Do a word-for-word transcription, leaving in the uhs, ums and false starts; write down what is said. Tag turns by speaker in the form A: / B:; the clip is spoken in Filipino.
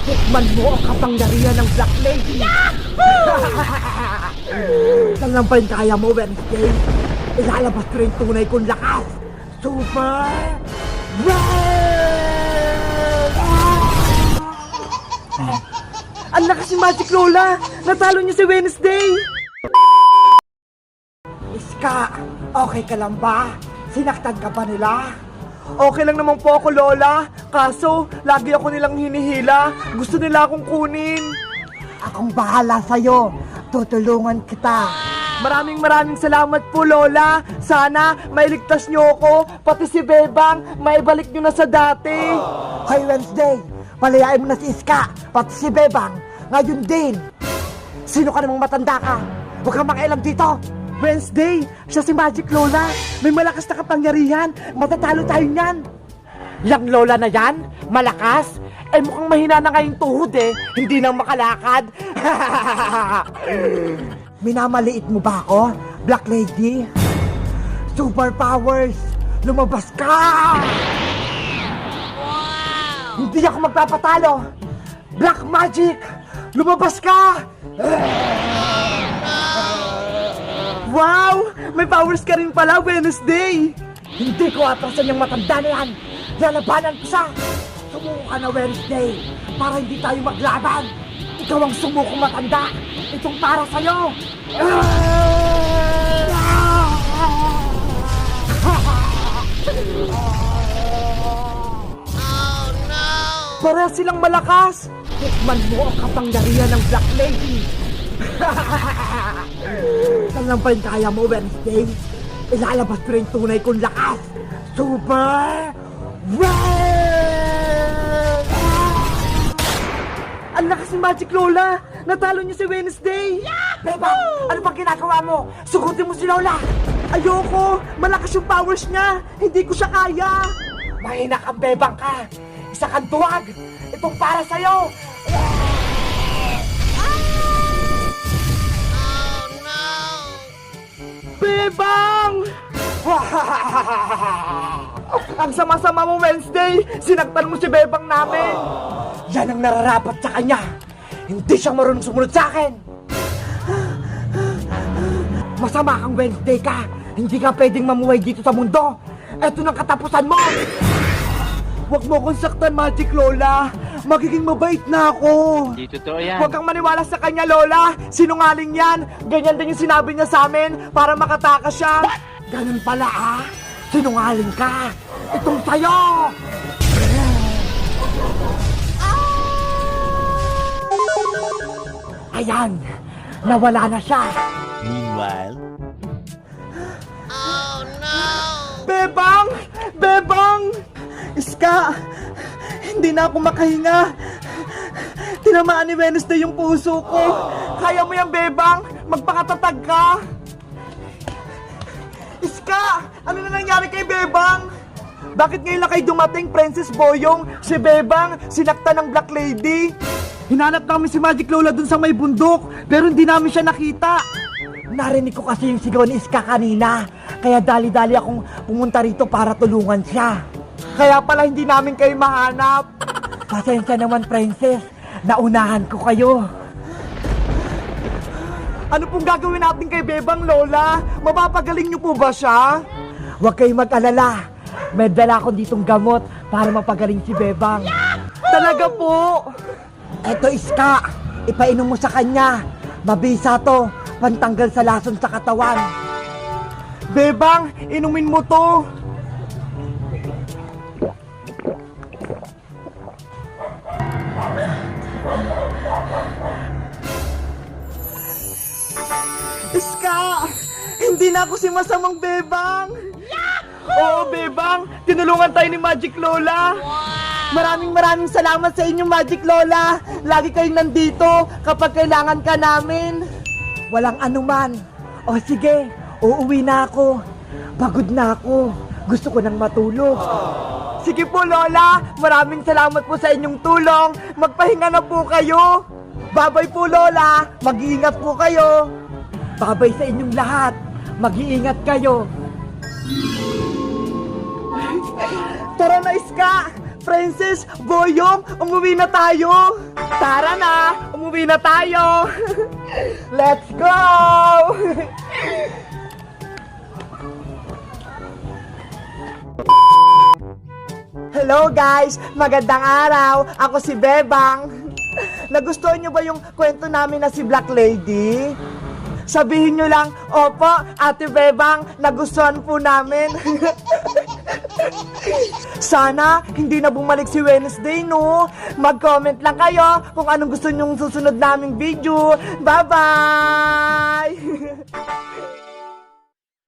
A: Tikman mo ang kapangyarihan ng Black Lady! Saan lang pa rin kaya mo, Wednesday? Ilalabas ko rin tunay kong lakas! Super Red! Ang lakas ni Magic Lola! Natalo niya si Wednesday! Iska, okay ka lang ba? Sinaktan ka ba nila? Okay lang naman po ako, Lola. Kaso, lagi ako nilang hinihila. Gusto nila akong kunin. Akong bahala sa'yo. Tutulungan kita. Maraming maraming salamat po, Lola. Sana mailigtas niyo ako, pati si Bebang, maibalik niyo na sa dati. Hoy, Wednesday, palayain mo na si Iska, pati si Bebang. Ngayon din. Sino ka namang matanda ka? Huwag kang makialam dito. Wednesday, siya si Magic Lola. May malakas na kapangyarihan. Matatalo tayo niyan. Yang Lola na yan? Malakas? Eh mukhang mahina na ngayong tuhod eh. Hindi nang makalakad. Minamaliit mo ba ako, Black Lady? Superpowers! Lumabas ka! Wow! Hindi ako magpapatalo! Black Magic! Lumabas ka! Wow! May powers ka rin pala, Wednesday! Hindi ko atrasan yung matanda na yan! Lalabanan ko siya! Sumuko ka na, Wednesday! Para hindi tayo maglaban! Ikaw ang sumukong matanda! Itong para sa'yo!
B: Oh no!
A: Pareha silang malakas! Tikman mo ang kapangyarihan ng Black Lady! Saan lang pa rin kaya mo, Wednesday? Ilalabas ko rin tunay kong lakas! Super Red! Ang lakas ni Magic Lola! Natalo niyo si Wednesday! Beba, ano bang ginagawa mo? Sugutin mo si Lola! Ayoko! Malakas yung powers niya! Hindi ko siya kaya! Mahina kang bebang ka! Isa kang tuwag! Itong para sa'yo! Bebang! Ang sama-sama mo, Wednesday! Sinaktan mo si Bebang namin! Yan ang nararapat sa kanya! Hindi siya marunong sumunod sa akin! Masama kang Wednesday ka! Hindi ka pwedeng mamuhay dito sa mundo! Eto ng katapusan mo! Huwag mo akong saktan, Magic Lola! Magiging mabait na ako!
C: Hindi totoo yan.
A: Huwag kang maniwala sa kanya, Lola! Sinungaling yan! Ganyan din yung sinabi niya sa amin para makatakas siya! Ganun pala, ah! Sinungaling ka! Itong sa'yo! Ayan! Nawala na siya!
C: Meanwhile,
B: Oh no!
A: Bebang! Bebang! Iska! Hindi na ako makahinga! Tinamaan ni Wednesday yung puso ko! Kaya mo yan, Bebang! Magpakatatag ka! Iska! Ano na nangyari kay Bebang? Bakit ngayon lang kayo dumating, Princess Boyong? Si Bebang, sinaktan ng Black Lady? Hinanap namin si Magic Lola dun sa may bundok, pero hindi namin siya nakita. Narinig ko kasi yung sigaw ni Iska kanina, kaya dali-dali akong pumunta rito para tulungan siya. Kaya pala hindi namin kayo mahanap. Pasensya naman, Princess. Naunahan ko kayo. Ano pong gagawin natin kay Bebang, Lola? Mapapagaling niyo po ba siya? Huwag kayong mag-alala. May dala akong ditong gamot para mapagaling si Bebang. Talaga po? Eto, Iska. Ipainom mo sa kanya. Mabisa to. Pantanggal sa lason sa katawan. Bebang, inumin mo to. Iska! Hindi na ako si masamang Bebang! Oo, Bebang! Tinulungan tayo ni Magic Lola! Maraming maraming salamat sa inyo, Magic Lola! Lagi kayong nandito kapag kailangan ka namin! Walang anuman! O sige, uuwi na ako! Pagod na ako! Gusto ko nang matulog! Sige po, Lola! Maraming salamat po sa inyong tulong! Magpahinga na po kayo! Babay po, Lola! Mag-iingat po kayo! Babay sa inyong lahat! Mag-iingat kayo! Tara na, Iska! Princess, Boyong, umuwi na tayo! Tara na! Umuwi na tayo! Let's go! Hello guys! Magandang araw! Ako si Bebang! Nagustuhan nyo ba yung kwento namin na si Black Lady? Sabihin nyo lang, opo, Ate Bebang, nagustuhan po namin. Sana hindi na bumalik si Wednesday, no? Mag-comment lang kayo kung anong gusto nyong susunod naming video. Bye-bye!